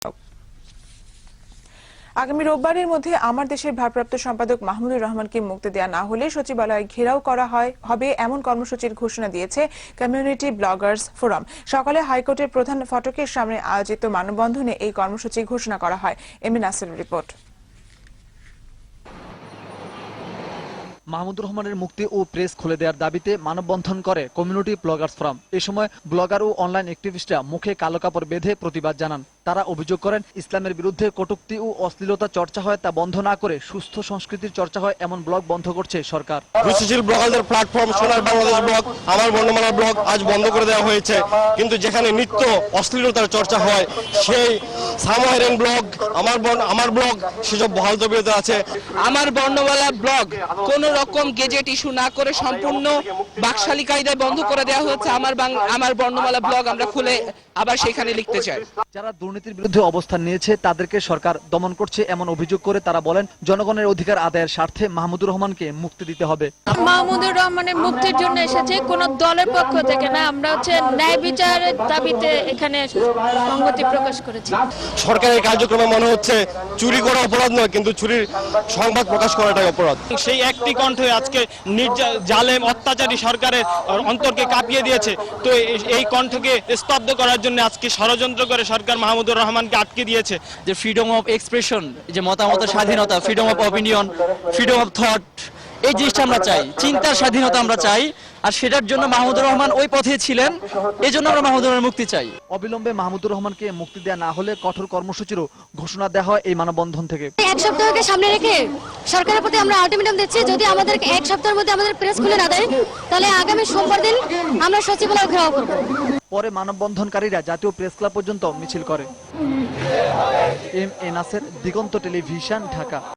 আগামী রোববারের মধ্যে আমার দেশের ভারপ্রাপ্ত সম্পাদক মাহমুদুর রহমানকে মুক্তি দেওয়া না হলে সচিবালয় ঘেরাও করা হবে এমন কর্মসূচির ঘোষণা দিয়েছে কমিউনিটি ব্লগার্স ফোরাম। সকালে হাইকোর্টের প্রধান ফটকের সামনে আয়োজিত মানববন্ধনে এই কর্মসূচি ঘোষণা করা হয়। M A Nasir report. Mahmudur রহমানের মুক্তি ও প্রেস খুলে দেওয়ার দাবিতে মানববন্ধন করে কমিউনিটি ব্লগার্স ফোরাম। এ সময় ব্লগার ও অনলাইন অ্যাক্টিভিস্টরা মুখে কালো কাপড় বেঁধে প্রতিবাদ জানান। তারা অভিযোগ করেন, ইসলামের বিরুদ্ধে কটূক্তি ও অশ্লীলতা চর্চা হয় তা বন্ধ না করে সুস্থ সংস্কৃতির চর্চা হয় এমন ব্লগ বন্ধ করছে সরকার। রুচিশীল ব্লগারদের প্ল্যাটফর্ম সোনার বাংলাদেশ ব্লগ, আমার বর্ণমালা ব্লগ আজ বন্ধ করে দেওয়া হয়েছে। কিন্তু যেখানে নিত্য অশ্লীলতার চর্চা হয় সেই সামহাইরেন ব্লগ, আমার ব্লগ সেসব বহাল তবিয়তে আছে। আমার বর্ণমালা ব্লগ কোন রকম গেজেট ইস্যু না করে সম্পূর্ণ বাকশালী কায়দায় বন্ধ করে দেওয়া হয়েছে। আমার বর্ণমালা ব্লগ আমরা খুলে আবার সেখানে লিখতে চাই। যারা দুর্নীতির বিরুদ্ধে অবস্থান নিয়েছে তাদেরকে সরকার দমন করছে এমন অভিযোগ করে তারা বলেন, জনগণের অধিকার আদায়ের স্বার্থে মাহমুদুর রহমানকে মুক্তি দিতে হবে। মাহমুদুর রহমানের মুক্তির জন্য এসেছে, কোন দলের পক্ষ থেকে না। আমরা ন্যায় বিচারের দাবিতে এখানে সংহতি প্রকাশ করেছি। সরকারের কার্যক্রমে মনে হচ্ছে চুরি করা অপরাধ নয়, কিন্তু চুরির সংবাদ প্রকাশ করাটাই অপরাধ। সেই একটি কণ্ঠে আজকে জালেম অত্যাচারী সরকারের অন্তরকে কাঁপিয়ে দিয়েছে। তো এই কণ্ঠকে স্তব্ধ করার জন্য আজকে ষড়যন্ত্র করে সরকার মাহমুদুর রহমানকে আটকে দিয়েছে। যে ফ্রিডম অফ এক্সপ্রেশন, যে মতামতের স্বাধীনতা, freedom of opinion, freedom of thought, এই জিনিসটা আমরা চাই, চিন্তার স্বাধীনতা আমরা চাই। আর সেটার জন্য মাহমুদুর রহমান ওই পথে ছিলেন, এই জন্য আমরা মাহমুদুর রহমানের মুক্তি চাই। অবিলম্বে মাহমুদুর রহমানকে মুক্তি দেওয়া না হলে কঠোর কর্মসূচিরও ঘোষণা দেওয়া হয় এই মানববন্ধন থেকে। এক সপ্তাহকে সামনে রেখে সরকারের প্রতি আমরা আলটিমেটাম দিচ্ছি, যদি আমাদের এক সপ্তাহের মধ্যে আমাদের প্রেস খুলে না দেয় তাহলে আগামী সোমবার দিন আমরা সচিবালয় ঘেরাও করব। পরে মানববন্ধনকারীরা জাতীয় প্রেস ক্লাব পর্যন্ত মিছিল করে। M A Nasir, Diganta television, Dhaka.